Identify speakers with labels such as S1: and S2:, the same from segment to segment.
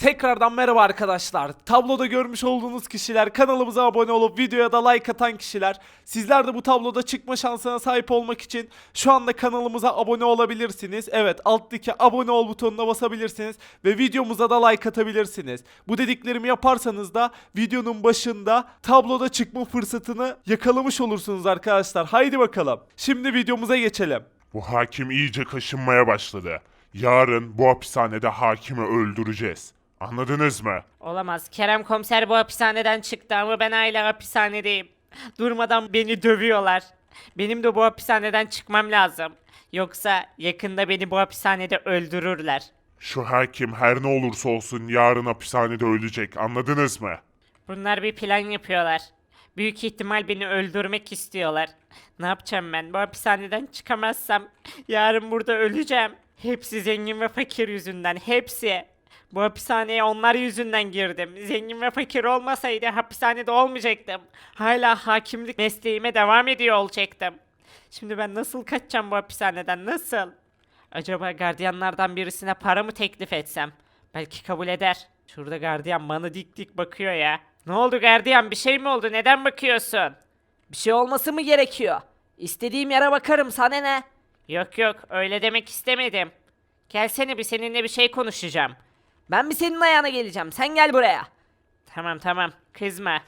S1: Tekrardan merhaba arkadaşlar. Tabloda görmüş olduğunuz kişiler, kanalımıza abone olup videoya da like atan kişiler. Sizler de bu tabloda çıkma şansına sahip olmak için şu anda kanalımıza abone olabilirsiniz. Evet, alttaki abone ol butonuna basabilirsiniz ve videomuza da like atabilirsiniz. Bu dediklerimi yaparsanız da videonun başında tabloda çıkma fırsatını yakalamış olursunuz arkadaşlar. Haydi bakalım. Şimdi videomuza geçelim.
S2: Bu hakim iyice kaşınmaya başladı. Yarın bu hapishanede hakimi öldüreceğiz. Anladınız mı?
S3: Olamaz. Kerem komiser bu hapishaneden çıktı ama ben hala hapishanedeyim. Durmadan beni dövüyorlar. Benim de bu hapishaneden çıkmam lazım. Yoksa yakında beni bu hapishanede öldürürler.
S2: Şu hakim her ne olursa olsun yarın hapishanede ölecek. Anladınız mı?
S3: Bunlar bir plan yapıyorlar. Büyük ihtimal beni öldürmek istiyorlar. Ne yapacağım ben? Bu hapishaneden çıkamazsam yarın burada öleceğim. Hepsi zengin ve fakir yüzünden. Hepsi. Bu hapishaneye onlar yüzünden girdim. Zengin ve fakir olmasaydı hapishanede olmayacaktım. Hala hakimlik mesleğime devam ediyor olacaktım. Şimdi ben nasıl kaçacağım bu hapishaneden? Nasıl? Acaba gardiyanlardan birisine para mı teklif etsem? Belki kabul eder. Şurada gardiyan bana dik dik bakıyor ya. Ne oldu gardiyan? Bir şey mi oldu? Neden bakıyorsun?
S4: Bir şey olması mı gerekiyor? İstediğim yere bakarım, sana ne?
S3: Yok yok, öyle demek istemedim. Gelsene, bir seninle bir şey konuşacağım.
S4: Ben bir senin ayağına geleceğim, sen gel buraya.
S3: Tamam tamam, kızma.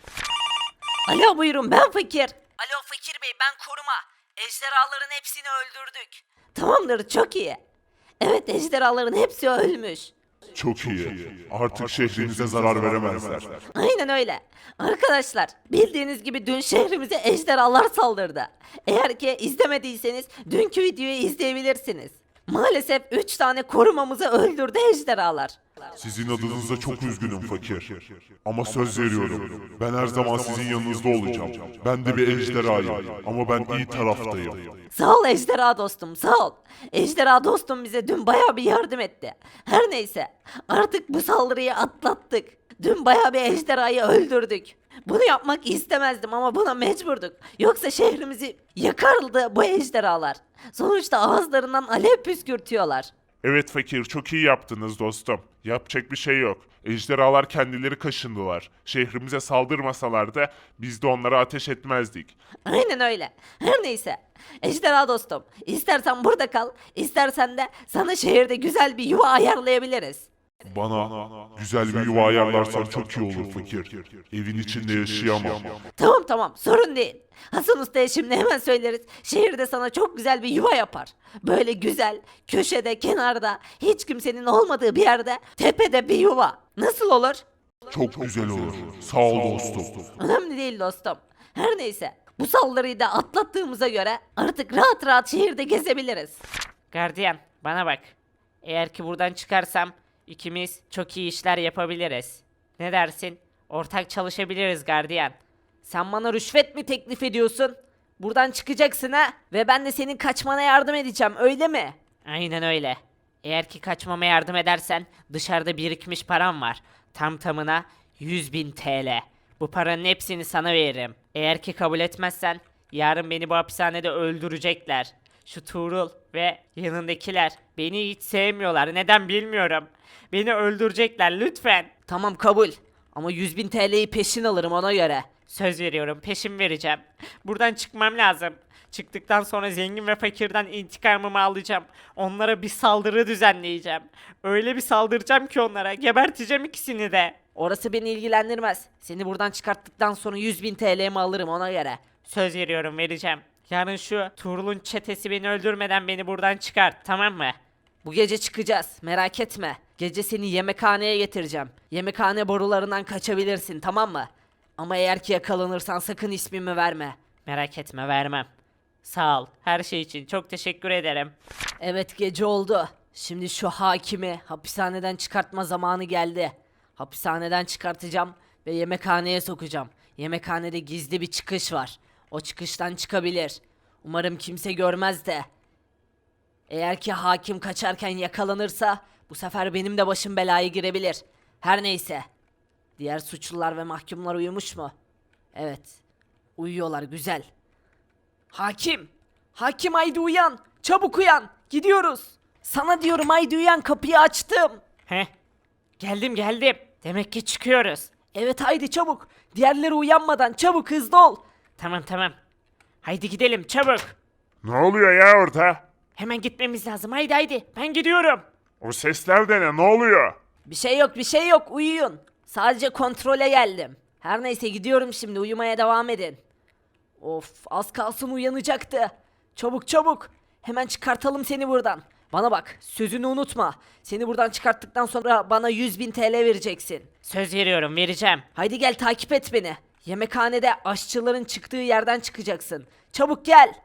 S4: Alo, buyurun, ben Fakir. Alo Fakir Bey, ben Koruma. Ejderhaların hepsini öldürdük. Tamamdır, çok iyi. Evet, ejderhaların hepsi ölmüş.
S2: Çok iyi. Artık şehrinize zarar veremezler.
S4: Aynen öyle. Arkadaşlar, bildiğiniz gibi dün şehrimize ejderhalar saldırdı. Eğer ki izlemediyseniz dünkü videoyu izleyebilirsiniz. Maalesef 3 tane korumamızı öldürdü ejderhalar.
S2: Sizin adınıza çok üzgünüm fakir. Ama söz veriyorum. Ben her zaman sizin yanınızda olacağım. Ben de bir ejderhayım. Ama ben iyi taraftayım.
S4: Sağ ol ejderha dostum, sağ ol. Ejderha dostum bize dün bayağı bir yardım etti. Her neyse, artık bu saldırıyı atlattık. Dün bayağı bir ejderhayı öldürdük. Bunu yapmak istemezdim ama buna mecburduk. Yoksa şehrimizi yakardı bu ejderhalar. Sonuçta ağızlarından alev püskürtüyorlar.
S2: Evet fakir, çok iyi yaptınız dostum. Yapacak bir şey yok. Ejderhalar kendileri kaşındılar. Şehrimize saldırmasalardı biz de onlara ateş etmezdik.
S4: Aynen öyle. Her neyse. Ejderha dostum, istersen burada kal, istersen de sana şehirde güzel bir yuva ayarlayabiliriz.
S2: Bana güzel bir yuva ayarlarsan çok iyi olur fakir. Evin içinde yaşayamam.
S4: Tamam, sorun değil. Hasan Usta'ya şimdi hemen söyleriz. Şehirde sana çok güzel bir yuva yapar. Böyle güzel, köşede, kenarda, hiç kimsenin olmadığı bir yerde, tepede bir yuva. Nasıl olur?
S2: Çok güzel olur. Sağ ol dostum.
S4: Önemli değil dostum. Her neyse, bu saldırıyı da atlattığımıza göre artık rahat rahat şehirde gezebiliriz.
S3: Gardiyan, bana bak. Eğer ki buradan çıkarsam ikimiz çok iyi işler yapabiliriz. Ne dersin? Ortak çalışabiliriz gardiyan.
S4: Sen bana rüşvet mi teklif ediyorsun? Buradan çıkacaksın ha? Ve ben de senin kaçmana yardım edeceğim, öyle mi?
S3: Aynen öyle. Eğer ki kaçmama yardım edersen dışarıda birikmiş param var. Tam tamına 100.000 TL. Bu paranın hepsini sana veririm. Eğer ki kabul etmezsen yarın beni bu hapishanede öldürecekler. Şu Tuğrul ve yanındakiler beni hiç sevmiyorlar. Neden bilmiyorum. Beni öldürecekler lütfen.
S4: Tamam, kabul. Ama 100.000 TL'yi peşin alırım ona göre.
S3: Söz veriyorum, peşin vereceğim. Buradan çıkmam lazım. Çıktıktan sonra zengin ve fakirden intikamımı alacağım. Onlara bir saldırı düzenleyeceğim. Öyle bir saldıracağım ki onlara. Geberteceğim ikisini de.
S4: Orası beni ilgilendirmez. Seni buradan çıkarttıktan sonra 100.000 TL'mi alırım ona göre.
S3: Söz veriyorum, vereceğim. Yarın şu Tuğrul'un çetesi beni öldürmeden beni buradan çıkart, tamam mı?
S4: Bu gece çıkacağız, merak etme. Gece seni yemekhaneye getireceğim. Yemekhane borularından kaçabilirsin, tamam mı? Ama eğer ki yakalanırsan sakın ismimi verme.
S3: Merak etme, vermem. Sağ ol. Her şey için çok teşekkür ederim.
S4: Evet, gece oldu. Şimdi şu hakimi hapishaneden çıkartma zamanı geldi. Hapishaneden çıkartacağım ve yemekhaneye sokacağım. Yemekhanede gizli bir çıkış var. O çıkıştan çıkabilir. Umarım kimse görmez de. Eğer ki hakim kaçarken yakalanırsa bu sefer benim de başım belaya girebilir. Her neyse. Diğer suçlular ve mahkumlar uyumuş mu? Evet. Uyuyorlar, güzel. Hakim! Hakim, haydi uyan! Çabuk uyan! Gidiyoruz! Sana diyorum, haydi uyan, kapıyı açtım.
S3: Heh. Geldim geldim. Demek ki çıkıyoruz.
S4: Evet haydi çabuk. Diğerleri uyanmadan çabuk hızlı ol.
S3: Tamam tamam. Haydi gidelim çabuk.
S2: Ne oluyor ya orada?
S3: Hemen gitmemiz lazım. Haydi haydi. Ben gidiyorum.
S2: O sesler de ne? Ne oluyor?
S4: Bir şey yok bir şey yok uyuyun. Sadece kontrole geldim. Her neyse gidiyorum şimdi uyumaya devam edin. Of az kalsın uyanacaktı. Çabuk çabuk. Hemen çıkartalım seni buradan. Bana bak sözünü unutma. Seni buradan çıkarttıktan sonra bana 100.000 TL vereceksin.
S3: Söz veriyorum vereceğim.
S4: Haydi gel takip et beni. Yemekhanede aşçıların çıktığı yerden çıkacaksın. Çabuk gel.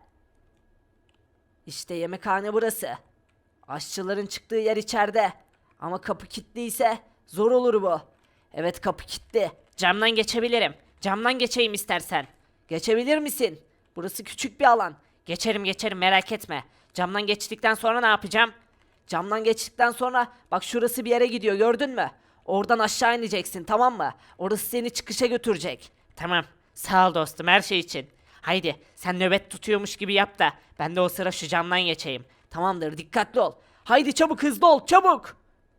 S4: İşte yemekhane burası. Aşçıların çıktığı yer içeride. Ama kapı kilitliyse zor olur bu. Evet kapı kilitli.
S3: Camdan geçebilirim. Camdan geçeyim istersen.
S4: Geçebilir misin? Burası küçük bir alan.
S3: Geçerim geçerim merak etme. Camdan geçtikten sonra ne yapacağım?
S4: Camdan geçtikten sonra bak şurası bir yere gidiyor gördün mü? Oradan aşağı ineceksin tamam mı? Orası seni çıkışa götürecek.
S3: Tamam. Sağ ol dostum her şey için. Haydi sen nöbet tutuyormuş gibi yap da ben de o sıra şu camdan geçeyim.
S4: Tamamdır dikkatli ol. Haydi çabuk hızlı ol çabuk.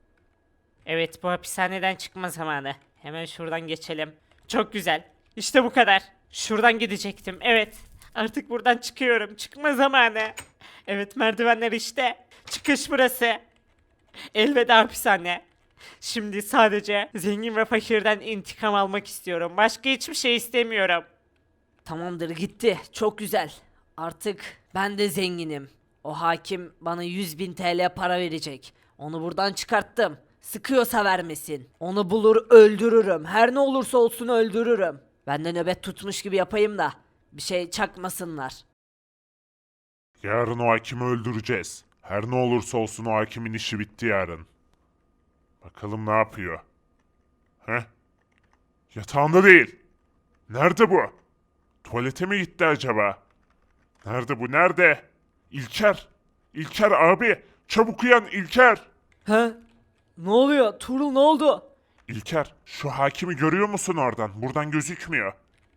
S3: Evet bu hapishaneden çıkma zamanı. Hemen şuradan geçelim. Çok güzel. İşte bu kadar. Şuradan gidecektim. Evet. Artık buradan çıkıyorum. Çıkma zamanı. Evet merdivenler işte. Çıkış burası. Elveda hapishane. Şimdi sadece zengin ve fakirden intikam almak istiyorum. Başka hiçbir şey istemiyorum.
S4: Tamamdır gitti. Çok güzel. Artık ben de zenginim. O hakim bana 100.000 TL para verecek. Onu buradan çıkarttım. Sıkıyorsa vermesin. Onu bulur öldürürüm. Her ne olursa olsun öldürürüm. Ben de nöbet tutmuş gibi yapayım da bir şey çakmasınlar.
S2: Yarın o hakimi öldüreceğiz. Her ne olursa olsun o hakimin işi bitti yarın. Bakalım ne yapıyor? Heh? Yatağında değil. Nerede bu? Tuvalete mi gitti acaba? Nerede bu? Nerede? İlker! İlker abi! Çabuk uyan İlker!
S4: He? Ne oluyor? Tuğrul ne oldu?
S2: İlker, şu hakimi görüyor musun oradan? Buradan gözükmüyor.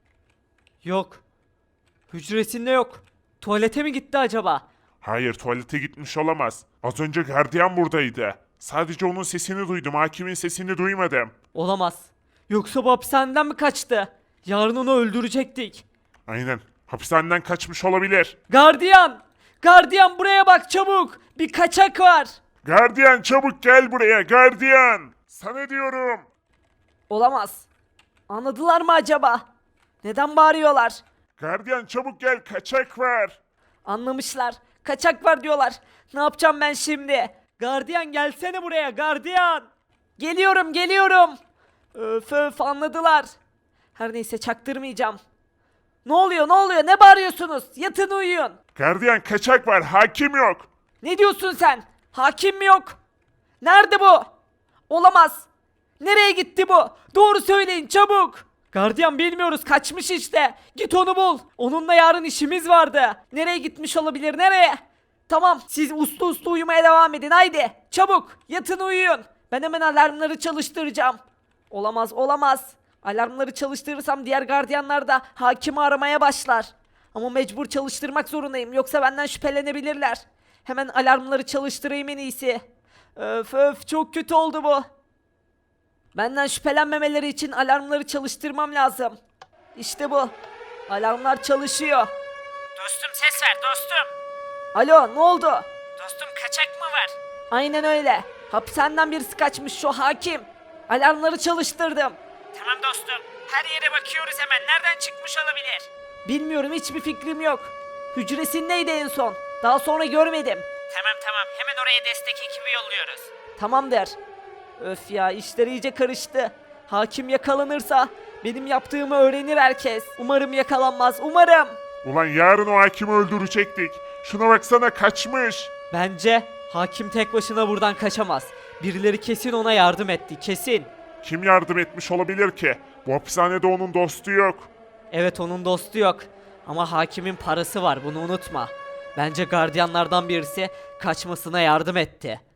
S4: Yok. Hücresinde yok. Tuvalete mi gitti acaba?
S2: Hayır, tuvalete gitmiş olamaz. Az önce gardiyan buradaydı. Sadece onun sesini duydum, hakimin sesini duymadım.
S4: Olamaz. Yoksa bu hapishaneden mi kaçtı? Yarın onu öldürecektik.
S2: Aynen, hapishaneden kaçmış olabilir.
S4: Gardiyan! Gardiyan buraya bak çabuk! Bir kaçak var!
S2: Gardiyan çabuk gel buraya, gardiyan! Sana diyorum.
S4: Olamaz. Anladılar mı acaba? Neden bağırıyorlar?
S2: Gardiyan çabuk gel, kaçak var.
S4: Anlamışlar. Kaçak var diyorlar. Ne yapacağım ben şimdi? Gardiyan gelsene buraya gardiyan. Geliyorum geliyorum. Öf öf anladılar. Her neyse çaktırmayacağım. Ne oluyor ne oluyor ne bağırıyorsunuz? Yatın uyuyun.
S2: Gardiyan kaçak var, hakim yok.
S4: Ne diyorsun sen? Hakim mi yok? Nerede bu? Olamaz. Nereye gitti bu? Doğru söyleyin çabuk. Gardiyan bilmiyoruz kaçmış işte. Git onu bul. Onunla yarın işimiz vardı. Nereye gitmiş olabilir nereye? Tamam siz uslu uslu uyumaya devam edin haydi. Çabuk yatın uyuyun. Ben hemen alarmları çalıştıracağım. Olamaz olamaz. Alarmları çalıştırırsam diğer gardiyanlar da hakimi aramaya başlar. Ama mecbur çalıştırmak zorundayım yoksa benden şüphelenebilirler. Hemen alarmları çalıştırayım en iyisi. Öf öf çok kötü oldu bu. Benden şüphelenmemeleri için alarmları çalıştırmam lazım. İşte bu. Alarmlar çalışıyor.
S3: Dostum ses ver dostum.
S4: Alo ne oldu?
S3: Dostum kaçak mı var?
S4: Aynen öyle. Hapishaneden birisi kaçmış şu hakim. Alarmları çalıştırdım.
S3: Tamam dostum. Her yere bakıyoruz hemen. Nereden çıkmış olabilir?
S4: Bilmiyorum hiçbir fikrim yok. Hücresindeydi en son. Daha sonra görmedim.
S3: Tamam tamam. Hemen oraya destek ekibi yolluyoruz.
S4: Tamamdır. Öf ya işler iyice karıştı. Hakim yakalanırsa benim yaptığımı öğrenir herkes. Umarım yakalanmaz umarım.
S2: Ulan yarın o hakimi öldürecektik. Şuna baksana kaçmış.
S4: Bence hakim tek başına buradan kaçamaz. Birileri kesin ona yardım etti kesin.
S2: Kim yardım etmiş olabilir ki? Bu hapishanede onun dostu yok.
S4: Evet onun dostu yok. Ama hakimin parası var bunu unutma. Bence gardiyanlardan birisi kaçmasına yardım etti.